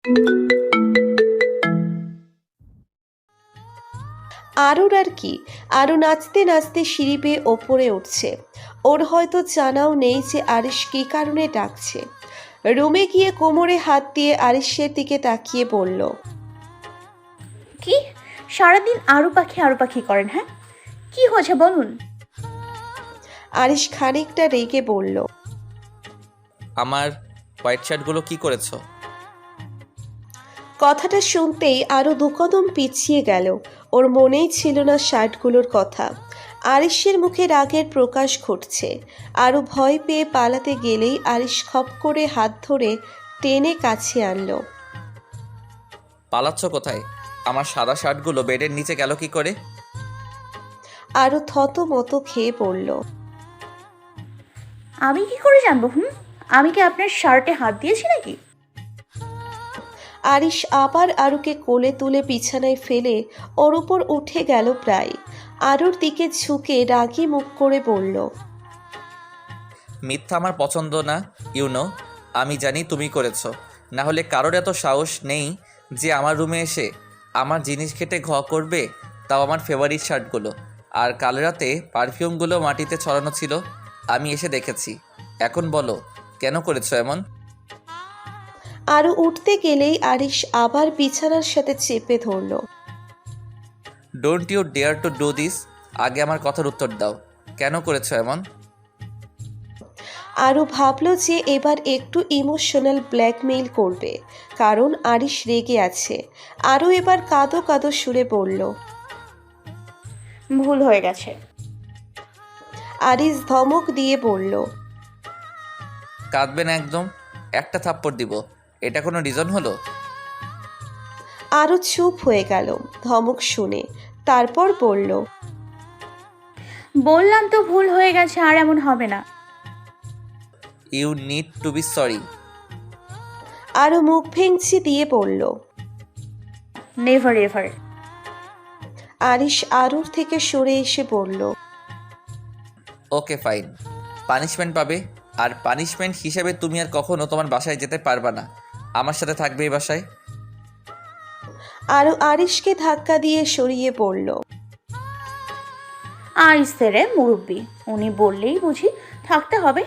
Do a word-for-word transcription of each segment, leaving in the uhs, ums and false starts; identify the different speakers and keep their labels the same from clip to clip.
Speaker 1: আরুর আর কি, আরু নাচতে নাচতে সিঁড়ি বেয়ে ওপরে উঠছে। ওর হয়তো জানাও নেই যে আরিশ কী কারণে ডাকছে। রুমে গিয়ে কোমরে হাত দিয়ে আরিশের দিকে তাকিয়ে বলল,
Speaker 2: কি সারাদিন আরু পাখি আরু পাখি করেন? হ্যাঁ, কি হয়েছে বলুন।
Speaker 1: আরিশ খানিকটা রেগে বলল,
Speaker 3: আমার হোয়াইট শার্টগুলো কি করেছো?
Speaker 1: কথাটা শুনতেই আরও দুকদম পিছিয়ে গেল। ওর মনেই ছিল না শার্টগুলোর কথা। আরিশের মুখে রাগের প্রকাশ ঘটছে। আরও ভয় পেয়ে পালাতে গেলেই আরিশ খপ করে হাত ধরে টেনে কাছে আনলো।
Speaker 3: পালাচ্ছ কোথায়? আমার সাদা শার্টগুলো বেডের নিচে গেল কি করে?
Speaker 1: আরও থত মতো খেয়ে পড়ল।
Speaker 2: আমি কি করে জানবো? হুম, আমি কি আপনার শার্টে হাত দিয়েছি নাকি?
Speaker 1: আরিশ আবার আরুকে কোলে তুলে বিছানায় ফেলে ওর উপর উঠে গেল প্রায়। আরুর দিকে ঝুঁকে রাগী মুখ করে বলল,
Speaker 3: মিথ্যা আমার পছন্দ না, ইউনো। আমি জানি তুমি করেছো। না হলে কারোর এত সাহস নেই যে আমার রুমে এসে আমার জিনিস খেটে ঘ করবে, তাও আমার ফেভারিট শার্টগুলো। আর কাল রাতে পারফিউমগুলো মাটিতে ছড়ানো ছিল, আমি এসে দেখেছি। এখন বলো, কেন করেছো এমন?
Speaker 1: আরু উঠতে গেলেই আরিশ আবার বিছানার সাথে চেপে ধরল।
Speaker 3: Don't you dare to do this. আগে আমার কথার উত্তর দাও, কেন করেছো এমন?
Speaker 1: আরও ভাবল যে এবার একটু ইমোশনাল ব্ল্যাকমেইল করবে, কারণ আরিশ রেগে আছে। আরও এবার কাঁদো কাঁদো সুরে বলল,
Speaker 2: ভুল হয়ে গেছে।
Speaker 1: আরিশ ধমক দিয়ে বলল,
Speaker 3: কাঁদবে না একদম, একটা থাপ্পড় দিব। এটা কোনো রিজন হলো?
Speaker 1: আরও চুপ হয়ে গেল ধমক শুনে। তারপর বলল,
Speaker 2: বললাম তো ভুল হয়ে গেছে, আর এমন হবে না।
Speaker 3: You need to be sorry.
Speaker 1: আরও মুখ ভেঙচি দিয়ে বলল।
Speaker 2: Never ever.
Speaker 1: আরিশ আরুর থেকে সরে এসে বলল,
Speaker 3: ওকে ফাইন, পানিশমেন্ট পাবে। আর পানিশমেন্ট হিসেবে তুমি আর কখনো তোমার বাসায় যেতে পারবা না, আমার সাথে থাকবে এই বাসায়।
Speaker 1: আরও আরিশকে ধাক্কা দিয়ে সরিয়ে পড়ল।
Speaker 2: আইসে রে মুরব্বি, উনি বললেই বুঝি থাকতে হবে।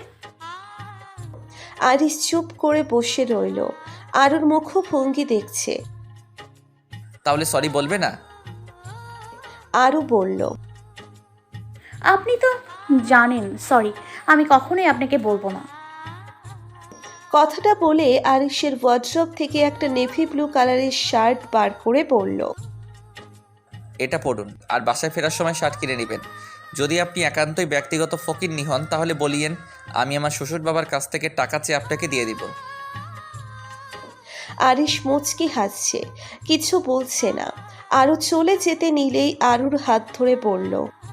Speaker 1: আরিশ চুপ করে বসে রইল। আরুর মুখভঙ্গি দেখছে।
Speaker 3: তাহলে সরি বলবে না?
Speaker 1: আরু বলল,
Speaker 2: আপনি তো জানেন সরি, আমি কখনোই আপনাকে বলবো না।
Speaker 1: কথাটা বলে আরিশের ওয়ার্ড্রব থেকে একটা নেভি ব্লু কালারের শার্ট বার করে পরল।
Speaker 3: এটা পড়ুন, আর বাসায় ফেরার সময় শার্ট কিনে নেবেন। যদি আপনি একান্তই ব্যক্তিগত ফকিন্নি হন তাহলে বলিয়েন, আমি আমার শ্বশুর বাবার কাছ থেকে টাকা চেয়ে আপনাকে দিয়ে দিব।
Speaker 1: আরিশ মুচকি হাসছে, কিছু বলছে না। আরু চলে যেতে নিলেই আরুর হাত ধরে বলল,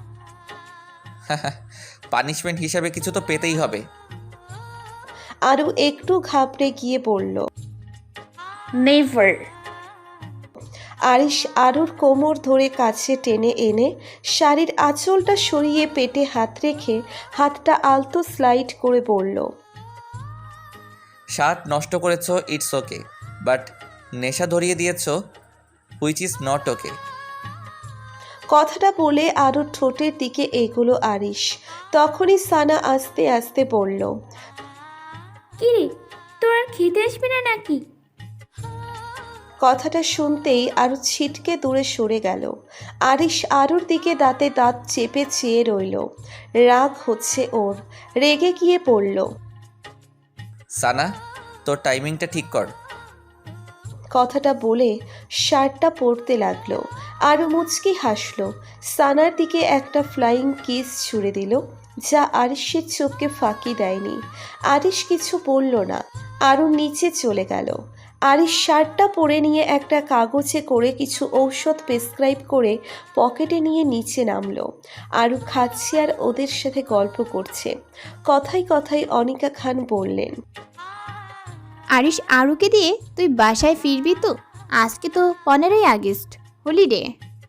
Speaker 3: পানিশমেন্ট হিসাবে কিছু তো পেতেই হবে।
Speaker 1: আরু একটু ঘাবড়ে গিয়ে বলল।
Speaker 2: নেভার।
Speaker 1: আরিশ আরুর কোমর ধরে কাছে টেনে এনে শাড়ির আঁচলটা সরিয়ে পেটে হাত রেখে হাতটা আলতো স্লাইড করে বলল,
Speaker 3: শার্ট নষ্ট করেছো, ইটস ওকে, বাট নেশা ধরিয়ে দিয়েছো, হুইচ ইজ নট ওকে।
Speaker 1: কথাটা বলে আরও ঠোঁটের দিকে এগোলো আরিশ। তখনই সানা আস্তে আস্তে বলল,
Speaker 4: কিরে, তোর আর খেতে আসবি না নাকি?
Speaker 1: কথাটা শুনতেই আরও ছিটকে দূরে সরে গেল। আরিশ আরুর দিকে দাঁতে দাঁত চেপে চেয়ে রইল। রাগ হচ্ছে ওর, রেগে গিয়ে পড়ল।
Speaker 3: সানা, তোর টাইমিংটা ঠিক কর।
Speaker 1: কথাটা বলে শার্টটা পরতে লাগলো। আরও মুচকি হাসলো। সানার দিকে একটা ফ্লাইং কিস ছুড়ে দিল, যা আরিশের চোখকে ফাঁকি দেয়নি। আরিশ কিছু বলল না, আরও নিচে চলে গেল। আরিশ শার্টটা পরে নিয়ে একটা কাগজে করে কিছু ঔষধ প্রেসক্রাইব করে পকেটে নিয়ে নিচে নামলো। আরও খাচ্ছে আর ওদের সাথে গল্প করছে। কথায় কথায় অনিকা খান বললেন,
Speaker 4: আরিশ আরুকে দিয়ে তুই বাসায় ফিরবি তো? আজকে তো পনেরোই আগস্ট, হলিডে।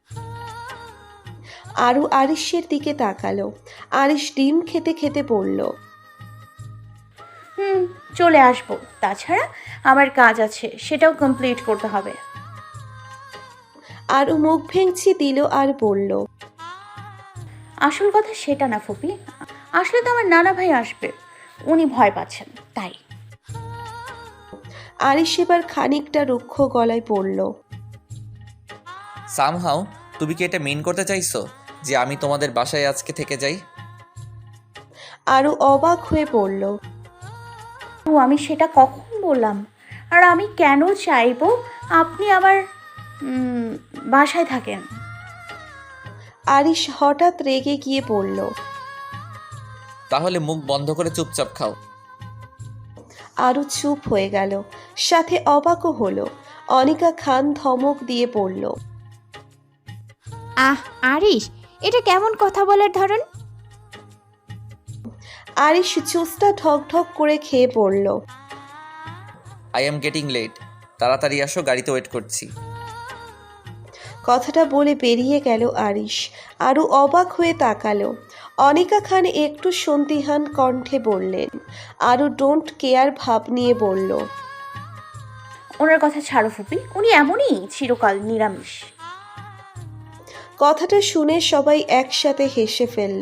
Speaker 1: আরও আরিশের দিকে তাকালো। আরিশ ডিম খেতে খেতে বলল,
Speaker 2: হুম, চলে আসবো। তাছাড়া আমার কাজ আছে, সেটাও কমপ্লিট করতে হবে।
Speaker 1: আরও মুখ ভেঙচি দিল আর বলল,
Speaker 2: আসল কথা সেটা না ফুপি, আসলে তো আমার নানা ভাই আসবে, উনি ভয় পাচ্ছেন তাই।
Speaker 1: আরিশ এবার খানিকটা রুক্ষ গলায় পড়ল,
Speaker 3: সামহাও তুমি কি এটা মিন করতে চাইছো যে আমি তোমাদের বাসায় আজকে থেকে যাই?
Speaker 1: আরও অবাক হয়ে পড়ল,
Speaker 2: ও আমি সেটা কখন বললাম? আর আমি কেন চাইবো আপনি আমার উম, বাসায় থাকেন?
Speaker 1: আরিশ হঠাৎ রেগে গিয়ে পড়ল।
Speaker 3: তাহলে মুখ বন্ধ করে চুপচাপ খাও।
Speaker 1: আরও চুপ হয়ে গেল, সাথে অবাকও হলো। অনিকা খান ধমক দিয়ে পড়ল,
Speaker 4: আহ আরিশ, এটা কেমন কথা বলার ধরন?
Speaker 1: আরিশ জুসটা ঢক ঢক করে খেয়ে পড়ল,
Speaker 3: আই এম গেটিং লেট, তাড়াতাড়ি আসো, গাড়িতে ওয়েট করছি।
Speaker 1: কথাটা বলে বেরিয়ে গেল আরিশ। আরও অবাক হয়ে তাকালো। অনিকা খান একটু সন্দিহান কণ্ঠে বললেন, আরও ডোন্ট কেয়ার ভাব নিয়ে বলল,
Speaker 2: ওনার কথা ছাড়ো ফুপি, উনি এমনই চিরকাল নিরামিষ।
Speaker 1: কথাটা শুনে সবাই একসাথে হেসে ফেলল।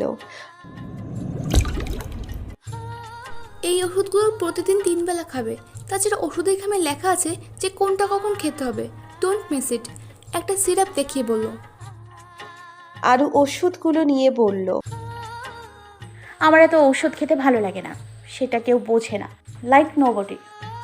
Speaker 5: এই ওষুধগুলো প্রতিদিন তিন বেলা খাবে। তাছাড়া ওষুধের খামে লেখা আছে যে কোনটা কখন খেতে হবে। Don't miss it. একটা সিরাপ দেখিয়ে বলল।
Speaker 1: আরও ওষুধগুলো নিয়ে বলল,
Speaker 2: আমার এত ঔষধ খেতে ভালো লাগে না, সেটা কেউ বোঝে না, লাইক নোবডি।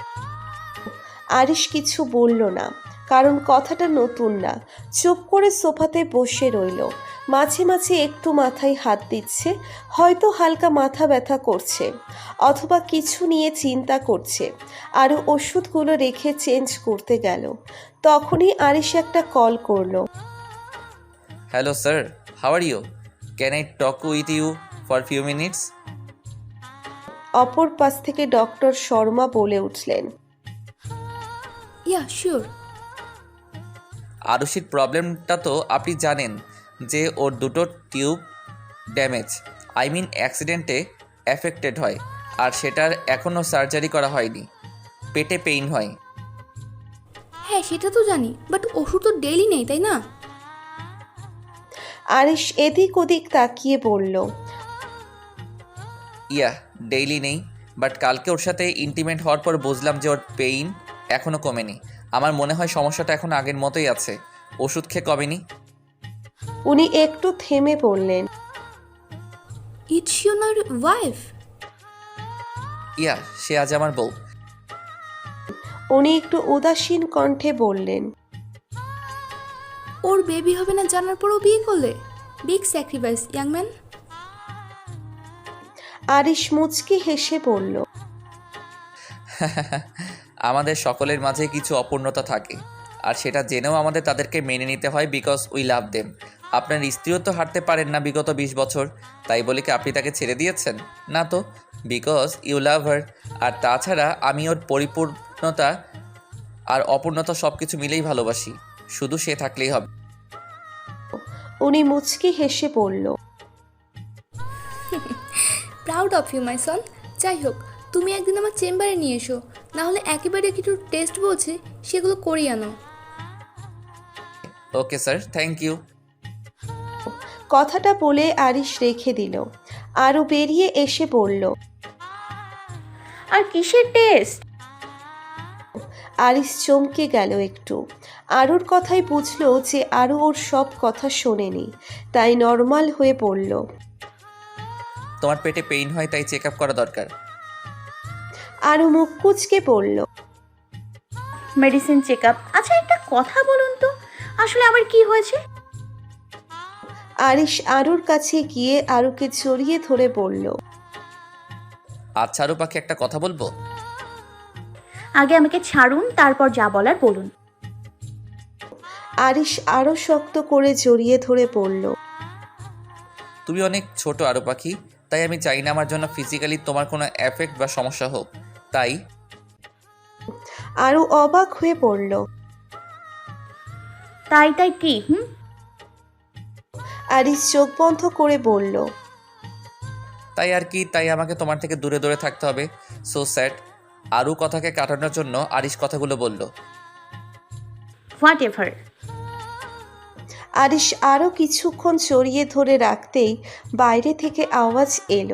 Speaker 1: আরিশ কিছু বলল না, কারণ কথাটা নতুন না। চুপ করে সোফাতে বসে রইল। মাঝে মাঝে একটু মাথায় হাত দিচ্ছে, হয়তো হালকা মাথা ব্যথা করছে, অথবা কিছু নিয়ে চিন্তা করছে। আরও ওষুধগুলো রেখে চেঞ্জ করতে গেল। তখনই আরিশ একটা কল করলো।
Speaker 3: Hello sir, how are you? Can I talk with you for few minutes?
Speaker 1: অপর পাশ থেকে ডক্টর শর্মা বলে উঠলেন,
Speaker 5: ইয়া শিওর।
Speaker 3: আরুষির প্রবলেমটা তো আপনি জানেন, যে ওর দুটো টিউব ড্যামেজ, আই মিন অ্যাক্সিডেন্টে অ্যাফেক্টেড হয়, আর সেটার এখনও সার্জারি করা হয়নি। পেটে পেইন হয়।
Speaker 5: হ্যাঁ সেটা তো জানি, বাট ওষুধ তো ডেইলি নেই তাই না?
Speaker 1: আরিশ এদিক ওদিক তাকিয়ে বলল,
Speaker 3: ইয়া ডেইলি নেই, বাট কালকে ওর সাথে ইন্টিমেট হওয়ার পর বুঝলাম যে ওর পেইন এখনও কমেনি। আমার মনে হয় সমস্যাটা এখন আগের মতোই আছে, ওষুধ খেয়ে কমেনি।
Speaker 1: উনি একটু থেমে বললেন,
Speaker 5: ইটস ইউর ওয়াইফ?
Speaker 3: ইয়া সে আজ আমার বউ।
Speaker 1: উনি একটু উদাসীন কণ্ঠে বললেন,
Speaker 5: ওর বেবি হবে না জানার পরেও বিয়ে করলে? Big sacrifice young man.
Speaker 1: Arish মুচকি হেসে বলল,
Speaker 3: আমাদের সকলের মাঝে কিছু অপূর্ণতা থাকে, আর সেটা জেনেও আমাদের তাদেরকে মেনে নিতে হয়, বিকজ উই লাভ দেম। আপনার স্ত্রীও তো হাঁটতে পারেন না বিগত বিশ বছর, তাই বলে কি আপনি তাকে ছেড়ে দিয়েছেন? না তো, বিকজ ইউ লাভ হার। আর তাছাড়া আমি ওর পরিপূর্ণতা আর অপূর্ণতা সব কিছু মিলেই ভালোবাসি, শুধু সে থাকলেই হবে।
Speaker 1: উনি মুচকি হেসে বলল,
Speaker 5: proud of you my son. যাই হোক, তুমি একদিন আমার চেম্বারে নিয়ে এসো, না হলে একেবারে কিছু টেস্ট বলছে সেগুলো করিয়ে আনো।
Speaker 3: Okay sir, thank you.
Speaker 1: কথাটা বলে আরিশ রেখে দিল। আরও বেরিয়ে এসে বলল,
Speaker 2: আর কিসের টেস্ট?
Speaker 1: আরিশ চমকে গেল একটু। আরুর কথাই বুঝলো যে আরু ওর সব কথা শোনেনি, তাই নর্মাল হয়ে পড়ল।
Speaker 3: তোমার পেটে পেইন হয় তাই চেক আপ করা দরকার।
Speaker 1: আরু মুখ কুচকে পড়ল,
Speaker 2: মেডিসিন চেক আপ? আচ্ছা একটা কথা বলুন তো, আসলে আমার কি হয়েছে?
Speaker 1: আরিশ আরুর কাছে গিয়ে আরুকে জড়িয়ে ধরে বলল,
Speaker 3: আচ্ছা আরু পাখি, একটা কথা বলবো?
Speaker 2: আগে আমাকে ছাড়ুন, তারপর যা বলার বলুন।
Speaker 1: আরিশ আরো শক্ত করে জড়িয়ে ধরে পড়ল,
Speaker 3: তুমি অনেক ছোট আরু পাখি, তাই আমি চাই না আমার জন্য ফিজিক্যালি তোমার কোনো এফেক্ট বা সমস্যা হোক। তাই
Speaker 1: আরু অবাক হয়ে পড়ল।
Speaker 2: তাই তাই কি? হুম
Speaker 1: আরিশ চোখ বন্ধ করে বলল,
Speaker 3: তাই আর কি, তাই আমাকে তোমার থেকে দূরে দূরে থাকতে হবে। So sad. আরও কথাকে কাটানোর জন্য আরিশ কথাগুলো বলল।
Speaker 2: What ever.
Speaker 1: আরিশ আরও কিছুক্ষণ জড়িয়ে ধরে রাখতেই বাইরে থেকে আওয়াজ এলো।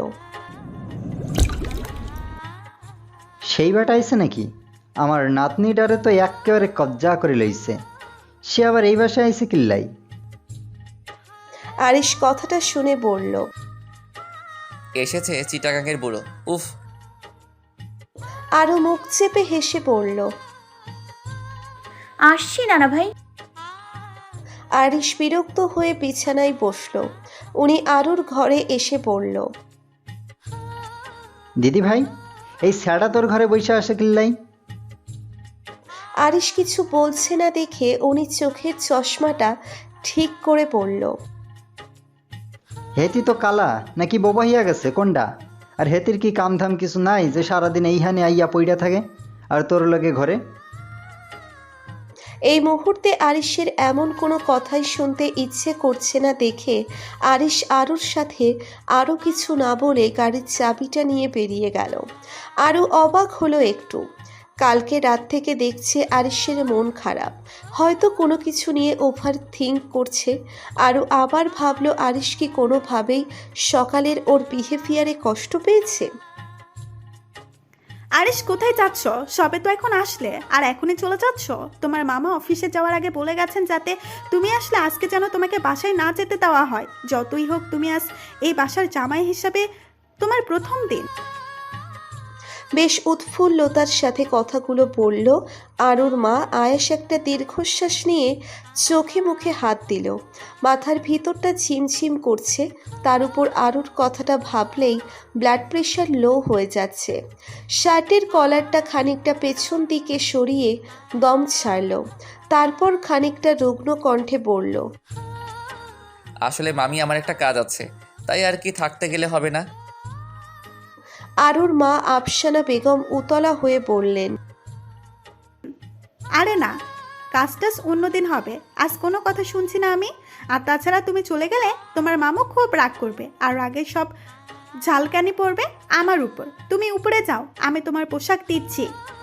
Speaker 6: সেই বেটা আইছে নাকি? আমার নাতনিটারে তো একেবারে কবজা করে লইছে। সে আবার এই বাসায় আইছে কিল্লাই?
Speaker 1: আরিশ কথাটা শুনে বলল,
Speaker 3: এসেছে চিটাগাঙের বুড়ো। উফ।
Speaker 1: আরও মুখ চেপে হেসে পড়ল।
Speaker 2: আসছি নানা ভাই।
Speaker 1: আরিশ বিরক্ত হয়ে বিছানায় বসল। উনি আরুর ঘরে এসে বলল,
Speaker 6: দিদি ভাই, এই স্যাডা তোর ঘরে বসে আসে কিল্লাই?
Speaker 1: আরিশ কিছু বলছে না দেখে উনি চোখের চশমাটা ঠিক করে পড়ল।
Speaker 6: হেতি তো কালা নাকি বোবা হইয়া গেছে কোনটা? আর হেতির কি কামধাম কিছু নাই যে সারাদিন এইখানে আইয়া পইড়া থাকে আর তোর লগে ঘরে?
Speaker 1: এই মুহূর্তে আরিশের এমন কোনো কথাই শুনতে ইচ্ছে করছে না দেখে আরিশ আরুর সাথে আরও কিছু না বলে গাড়ির চাবিটা নিয়ে বেরিয়ে গেল। আরও অবাক হলো একটু। কালকে রাত থেকে দেখছে আরিশের মন খারাপ, হয়তো কোনো কিছু নিয়ে ওভার থিঙ্ক করছে। আরও আবার ভাবলো আরিশ কি কোনোভাবেই সকালের ওর বিহেভিয়ারে কষ্ট পেয়েছে।
Speaker 7: আরিশ, কোথায় যাচ্ছ? সবে তো এখন আসলে আর এখনই চলে যাচ্ছ? তোমার মামা অফিসে যাওয়ার আগে বলে গেছেন যাতে তুমি আসলে আজকে যেন তোমাকে বাসায় না যেতে দেওয়া হয়। যতই হোক তুমি আজ এই বাসার জামাই হিসাবে তোমার প্রথম দিন।
Speaker 1: বেশ উৎফুল্লতার সাথে কথাগুলো বলল আরুর মা। আয়েশ একটা দীর্ঘশ্বাস নিয়ে চোখে মুখে হাত দিল। মাথার ভিতরটা ঝিমঝিম করছে। তার উপর আরুর কথাটা ভাবলেই ব্লাড প্রেশার লো হয়ে যাচ্ছে। শার্টের কলারটা খানিকটা পেছন দিকে সরিয়ে দম ছাড়ল। তারপর খানিকটা রুগ্ন কণ্ঠে বলল,
Speaker 3: আসলে মামি, আমার একটা কাজ আছে, তাই আর কি থাকতে গেলে হবে না।
Speaker 1: আরুর মা আফসানা বেগম উতলা হয়ে বললেন,
Speaker 7: আরে না, কাজটাজ অন্যদিন হবে, আজ কোনো কথা শুনছি না আমি। আর তাছাড়া তুমি চলে গেলে তোমার মামু খুব রাগ করবে আর রাগে সব ঝালকানি পড়বে আমার উপর। তুমি উপরে যাও, আমি তোমার পোশাক দিচ্ছি।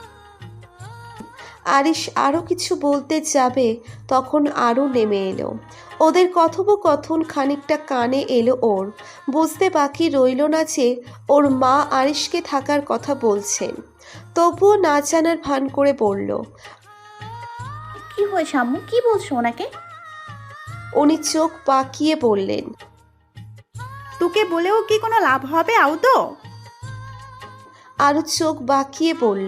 Speaker 1: আরিশ আরও কিছু বলতে যাবে তখন আরও নেমে এলো। ওদের কথোপকথন খানিকটা কানে এলো ওর। বুঝতে বাকি রইল না যে ওর মা আরিশকে থাকার কথা বলছেন। তবুও না জানার ভান করে বলল,
Speaker 2: কি হয়েছে আম্মু? কি বলছো ওনাকে?
Speaker 1: উনি চোখ পাকিয়ে বললেন,
Speaker 7: তোকে বলেও কি কোনো লাভ হবে আউদো?
Speaker 1: আরও চোখ বাঁকিয়ে বলল,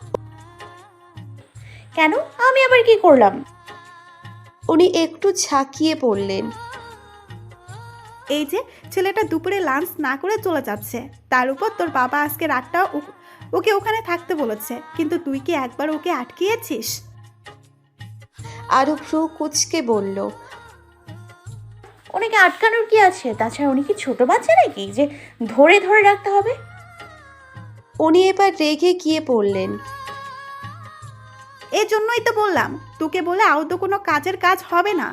Speaker 2: কেন? আমি আবার কি করলাম?
Speaker 1: উনি একটু ঝাঁকিয়ে বললেন,
Speaker 7: এই যে ছেলেটা দুপুরে লাঞ্চ না করে চলে যাচ্ছে, তার উপর তোর বাবা আজকে রাতটা ও- ওকে ওখানে থাকতে বলেছে, কিন্তু তুই কি একবার ওকে আটকিয়েছিস?
Speaker 1: আরও ভ্রু কুচকে বলল,
Speaker 2: ওনাকে আটকানোর কি আছে? তাছাড়া উনি কি ছোট বাচ্চা নাকি যে ধরে ধরে রাখতে হবে?
Speaker 1: উনি এবার রেগে গিয়ে বললেন,
Speaker 7: এই জন্যই তো বললাম তোকে বলে আউদো কোনো কাজের কাজ হবে না।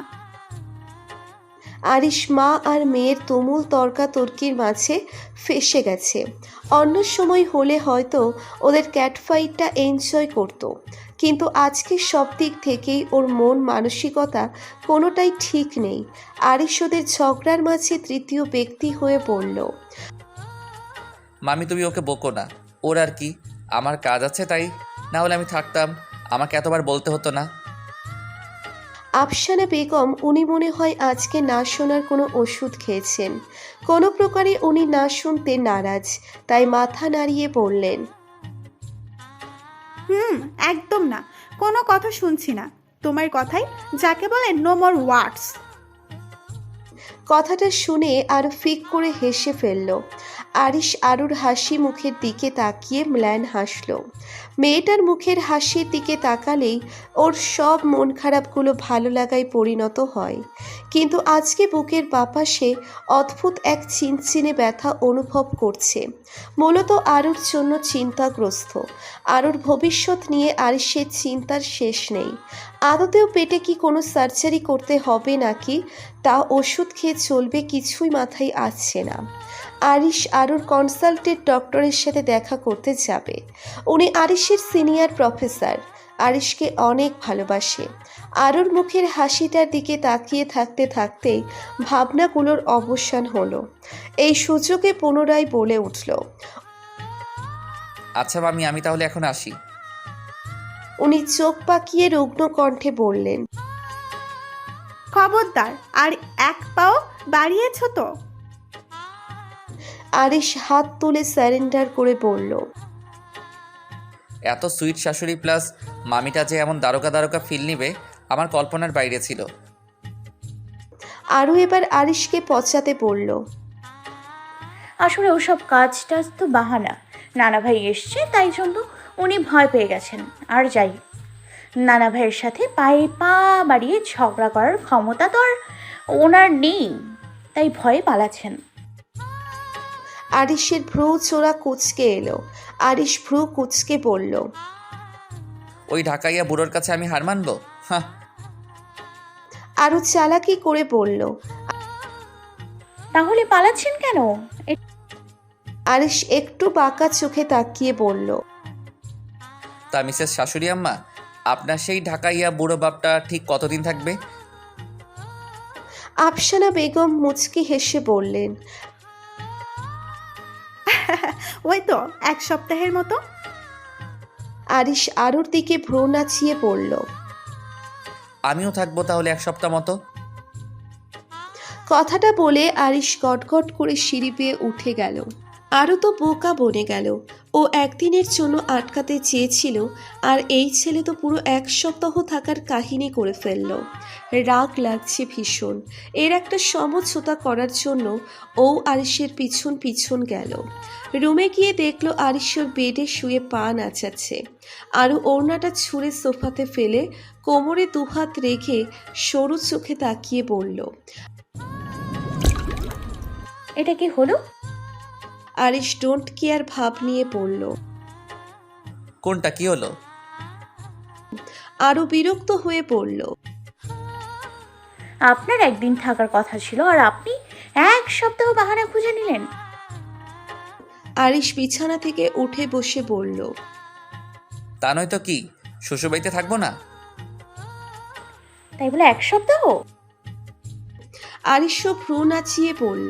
Speaker 1: আরিশ মা আর মেয়ের তুমুল তর্কাতর্কির মাঝে ফেঁসে গেছে। অন্য সময় হলে হয়তো ওদের ক্যাটফাইটটা এনজয় করতো, কিন্তু আজকে সব দিক থেকেই ওর মন মানসিকতা কোনোটাই ঠিক নেই। আরিশ ওদের ঝগড়ার মাঝে তৃতীয় ব্যক্তি হয়ে পড়ল।
Speaker 3: মামি, তুমি ওকে বকো না। ওর আর কি, আমার কাজ আছে তাই, না হলে আমি থাকতাম, আমাকে এতবার বলতে হতো না।
Speaker 1: আফসানা বেগম, উনি মনে হয় আজকে না শোনার কোনো ওষুধ খেয়েছেন। কোনো প্রকারে উনি না শুনতে নারাজ, তাই মাথা নাড়িয়ে বললেন,
Speaker 7: হুম, একদম না, কোনো কথা শুনছি না তোমার কথাই, যাকে বলে নো মোর ওয়ার্ডস।
Speaker 1: কথাটা শুনে আরও ফিক করে হেসে ফেলল। আরিশ আরুর হাসি মুখের দিকে তাকিয়ে ম্লান হাসল। মেয়েটার মুখের হাসির দিকে তাকালেই ওর সব মন খারাপগুলো ভালো লাগায় পরিণত হয়। কিন্তু আজকে বুকের বাপাশে অদ্ভুত এক চিনচিনে ব্যথা অনুভব করছে। মূলত আরুর জন্য চিন্তাগ্রস্ত। আরুর ভবিষ্যৎ নিয়ে আরিশের চিন্তার শেষ নেই। আদতেও পেটে কি কোনো সার্জারি করতে হবে নাকি তা ওষুধ খেয়ে চলবে কিছুই মাথায় আসছে না। আরিশ আরুর কনসালটেন্ট ডক্টরের সাথে দেখা করতে যাবে। উনি আরিশের সিনিয়র প্রফেসর, আরিশকে অনেক ভালোবাসে। আরুর মুখের হাসিটার দিকে তাকিয়ে থাকতে থাকতেই ভাবনাগুলোর অবসান হলো। এই সুযোগে পুনরায় বলে উঠল,
Speaker 3: আচ্ছা মামি, আমি তাহলে এখন আসি।
Speaker 1: উনি চোখ পাকিয়ে রুগ্ন কণ্ঠে বললেন,
Speaker 7: খবরদার, আর এক পাও বাড়িয়েছ তো।
Speaker 1: আরিশ হাত তুলে স্যারেন্ডার করে বলল,
Speaker 3: এত সুইট শাশুড়ি প্লাস মামিটা যে এমন দারোগা দারোগা ফিল নিবে আমার কল্পনার বাইরে ছিল।
Speaker 1: আরু এবার আরিশকে পচাতে বলল,
Speaker 2: আসলে ওসব কাজ টাজ তো বাহানা। নানা ভাই এসছে তাই জন্য উনি ভয় পেয়ে গেছেন। আর যাই, নানা ভাইয়ের সাথে পায়ে পা বাড়িয়ে ঝগড়া করার ক্ষমতা তো আর ওনার নেই, তাই ভয়ে পালাচ্ছেন।
Speaker 1: আরিশের ভ্রু চোরা কুচকে এলো। আরিশ ভ্রু কুচকে বলল,
Speaker 3: ওই ঢাকাইয়া বুড়োর কাছে আমি হার মানবো? হ্যাঁ।
Speaker 1: আরু চালাকি করে বলল,
Speaker 2: তাহলে পালাচ্ছেন কেন? এ-
Speaker 1: আরিশ একটু বাঁকা চোখে তাকিয়ে বলল,
Speaker 3: তা মিসেস শাশুড়ি আম্মা, আপনার সেই ঢাকাইয়া বুড়ো বাপটা ঠিক কতদিন থাকবে?
Speaker 1: আফসানা বেগম মুচকি হেসে বললেন,
Speaker 7: ওই তো এক সপ্তাহের মতো।
Speaker 1: আরিশ আরুর দিকে ভ্রু নাচিয়ে বলল,
Speaker 3: আমিও থাকবো তাহলে এক সপ্তাহ মতো।
Speaker 1: কথাটা বলে আরিশ গটগট করে সিঁড়ি বেয়ে উঠে গেল। আরও তো বোকা বনে গেল। ও একদিনের জন্য আটকাতে চেয়েছিল, আর এই ছেলে তো পুরো এক সপ্তাহ থাকার কাহিনী করে ফেলল। রাগ লাগছে ভীষণ। এর একটা সমঝোতা করার জন্য ও আরিশের পিছন পিছন গেল। রুমে গিয়ে দেখলো আরিশের বেডে শুয়ে পা নাচাচ্ছে। আরও ওড়নাটা ছুঁড়ে সোফাতে ফেলে কোমরে দুহাত রেখে সরু চোখে তাকিয়ে বলল,
Speaker 2: এটা কি হলো?
Speaker 1: আরিশ ডোন্ট কেয়ার ভাব নিয়ে পড়ল।
Speaker 3: কোনটা কি হলো?
Speaker 1: আরও বিরক্ত হয়ে পড়ল,
Speaker 2: আপনার একদিন থাকার কথা ছিল আর আপনি এক সপ্তাহ বাহানা খুঁজে নিলেন।
Speaker 1: আরিশ বিছানা থেকে উঠে বসে বলল,
Speaker 3: তা নয় তো কি, শ্বশুরবাড়িতে থাকবো না?
Speaker 2: তাই বলে এক সপ্তাহ?
Speaker 1: আরিশও ভ্রু নাচিয়ে পড়ল,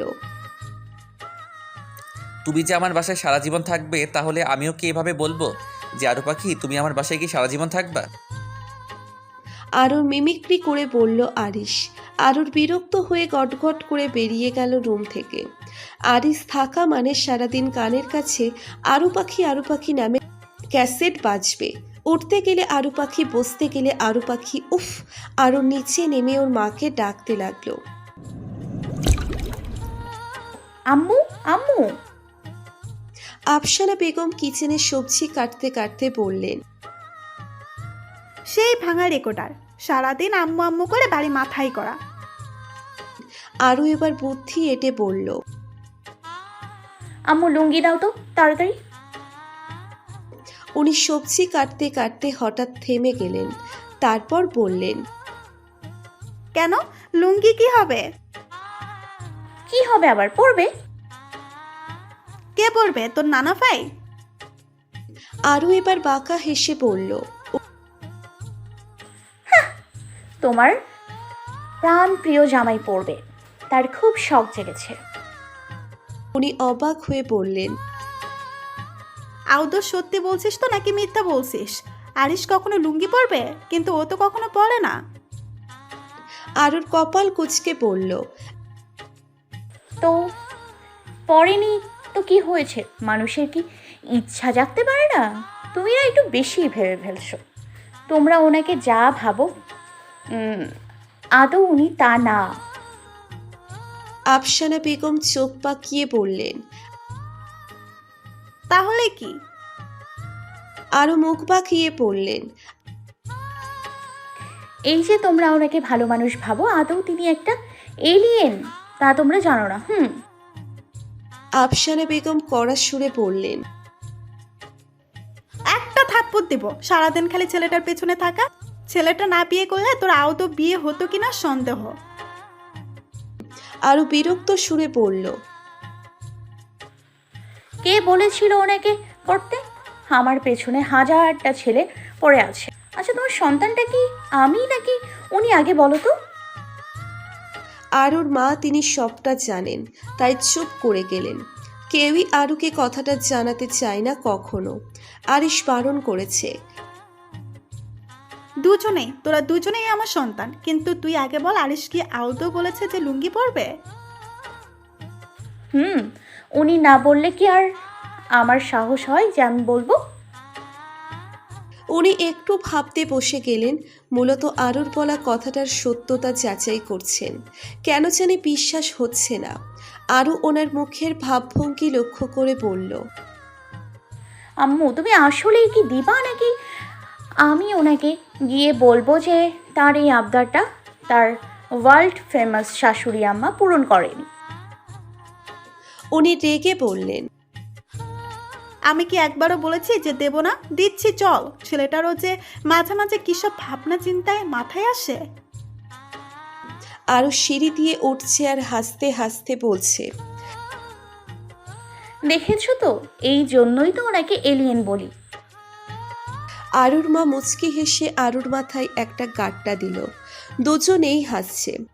Speaker 3: তুমি যে আমার বাসায় সারা জীবন থাকবে, তাহলে আমিও কি এভাবে বলবো যে আরু পাখি তুমি আমার বাসায় কি সারা জীবন থাকবা?
Speaker 1: আরুর মিমিক্রি করে বলল আরিশ। আরুর বিরক্ত হয়ে গটগট করে বেরিয়ে গেল রুম থেকে। আরিশ থাকা মানে সারাদিন কানের কাছে আরু পাখি আরু পাখি নামে ক্যাসেট বাজবে। উঠতে গেলে আরু পাখি, বসতে গেলে আরু পাখি। উফ! আরু নিচে নেমে ওর মাকে ডাকতে লাগলো,
Speaker 2: আম্মু, আম্মু।
Speaker 1: আফসানা বেগম কিচেনে সবজি কাটতে কাটতে বললেন,
Speaker 7: সেই ভাঙা রেকর্ডার, সারাদিন আম্মু আম্মু করে বাড়ি মাথায় করা।
Speaker 1: আরু এবার বুদ্ধি এঁটে বলল,
Speaker 2: আম্মু লুঙ্গি দাও তো তাড়াতাড়ি।
Speaker 1: উনি সবজি কাটতে কাটতে হঠাৎ থেমে গেলেন। তারপর বললেন,
Speaker 7: কেন, লুঙ্গি কি হবে?
Speaker 2: কি হবে আবার, পড়বে?
Speaker 7: কে পড়বে, তোর নানা ভাই?
Speaker 1: আরু এবার বাঁকা হেসে বলল,
Speaker 2: তোমার প্রাণ প্রিয় জামাই পড়বে, তার খুব শখ জেগেছে।
Speaker 1: উনি অবাক হয়ে বললেন,
Speaker 7: আউদো সত্যি বলছিস তো নাকি মিথ্যা বলছিস? আরিশ কখনো লুঙ্গি পরবে? কিন্তু ও তো কখনো পরে না।
Speaker 1: আরুর কপাল কুঁচকে বলল,
Speaker 2: তো পড়েনি তো কি হয়েছে? মানুষের কি ইচ্ছা জাগতে পারে না? তুমি না একটু বেশি ভেবে ফেলছো। তোমরা ওনাকে যা ভাবো, উম, আদৌ উনি তা না।
Speaker 1: আফসানা বেগম চোখ পাকিয়ে বললেন,
Speaker 7: তাহলে কি?
Speaker 1: আরু মুখ বাঁকিয়ে পড়লেন,
Speaker 2: এই যে তোমরা ওনাকে ভালো মানুষ ভাবো, আদৌ তিনি একটা এলিয়েন তা তোমরা জানো না। হুম
Speaker 1: আফসানা বেগম কড়া সুরে বললেন,
Speaker 7: একটা থাপ্পড় দেব, সারাদিন খালি ছেলেটার পেছনে থাকা। ছেলেটা না বিয়ে করলে তোর আউদো বিয়ে হতো কিনা সন্দেহ।
Speaker 1: আরু বিরক্ত সুরে বলল,
Speaker 2: কে বলেছিল ওনাকে করতে? আমার পেছনে হাজারটা ছেলে পড়ে আছে। আচ্ছা, তোমার সন্তানটা কি আমি নাকি উনি, আগে বলো তো।
Speaker 1: আরুর মা তিনি সবটা জানেন, তাই চুপ করে গেলেন। কেউই আরুকে কথাটা জানাতে চায় না কখনো। আরিশ বারণ করেছে।
Speaker 7: দুজনেই, তোরা দুজনেই আমার সন্তান, কিন্তু তুই আগে বল, আরিশ কি আদৌ বলেছে যে লুঙ্গি পরবে?
Speaker 2: হুম, উনি না বললে কি আর আমার সাহস হয় যে আমি বলবো?
Speaker 1: উনি একটু ভাবতে বসে গেলেন। মূলত আরুর বলা কথাটার সত্যতা যাচাই করছেন। কেন জানি বিশ্বাস হচ্ছে না। আরু ওনার মুখের ভাবভঙ্গি লক্ষ্য করে বলল,
Speaker 2: আম্মু, তুমি আসলেই কি দিবা নাকি আমি ওনাকে গিয়ে বলবো যে তার এই আবদারটা তার ওয়ার্ল্ড ফেমাস শাশুড়ি আম্মা পূরণ করেনি?
Speaker 1: উনি রেগে বললেন,
Speaker 7: আমি কি একবারও বলেছি যে দেব না? দিচ্ছি, চল। ছেলেটারও যে মাঝে মাঝে কিসব ভাবনা চিন্তায় মাথায় আসে।
Speaker 1: আরু সিঁড়ি দিয়ে উঠছে আর হাসতে হাসতে বলছে,
Speaker 2: দেখেছো তো, এই জন্যই তো ওনাকে এলিয়েন বলি।
Speaker 1: আরুর মা মুচকি হেসে আরুর মাথায় একটা গাঁটটা দিল। দুজনেই হাসছে।